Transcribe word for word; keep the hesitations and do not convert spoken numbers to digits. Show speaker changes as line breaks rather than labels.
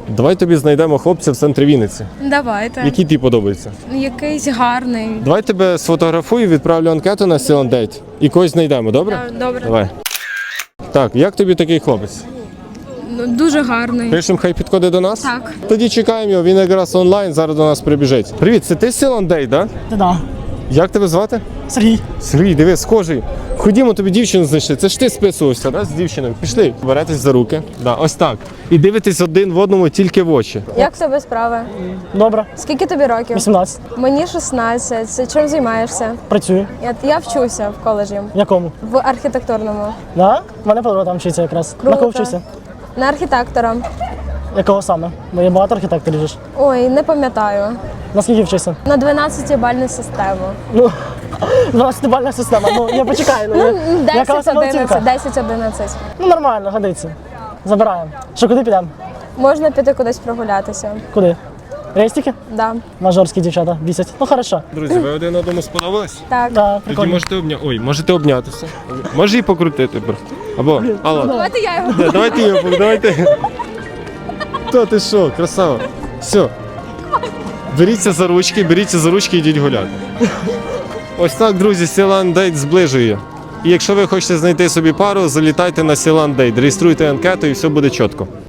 Давай тобі знайдемо хлопця в центрі Вінниці.
Давайте.
Який тобі подобається?
Якийсь гарний.
Давай тебе сфотографую, відправлю анкету на Сіландейт і когось знайдемо, добре?
Так, добре.
Давай. Так, як тобі такий хлопець?
Ну, дуже гарний.
Пишемо, хай підходить до нас?
Так.
Тоді чекаємо його, він якраз онлайн, зараз до нас прибіжить. Привіт, це ти Сіландейт, так?
Та да.
Як тебе звати?
Сергій.
Сергій, диви, схожий. Ходімо, тобі дівчину знайшли. Це ж ти списувався, да, з дівчиною. Пішли, беретесь за руки. Да, ось так. І дивитесь один в одному тільки в очі.
Як в тебе справи?
Добре.
Скільки тобі років?
вісімнадцять.
Мені шістнадцять. Це чим займаєшся?
Працюю.
Я, я вчуся в коледжі,
В якому?
в архітектурному.
Да? У мене подруга там вчиться якраз.
Круто.
На кого вчишся?
На архітектора.
Якого саме? Бо є багато архітекторів же ж.
Ой, не пам'ятаю.
На скільки вчишся?
На дванадцятибальну систему.
Ну, дванадцятибальна система. Ну, я почекаю. Ну, я- яка у
десять
тебе
одинадцять,
оцінка?
десять одинадцять.
Ну, нормально, годиться. Забираємо. Що, куди підемо?
Можна піти кудись прогулятися.
Куди? Рейстики?
Да.
Мажорські дівчата бісять. Ну, хорошо.
Друзі, ви один одному сподобались?
Так.
Да,
Тоді
прикольно.
можете обня... Ой, можете обнятися. Може і покрутити. бро. Або, алло.
Давайте я його.
Да, давайте його, давайте. Та ти що, красава. Все. Беріться за ручки, беріться за ручки і йдіть гуляти. Ось так, друзі, Сіландейт зближує. І якщо ви хочете знайти собі пару, залітайте на Сіландейт, реєструйте анкету і все буде чітко.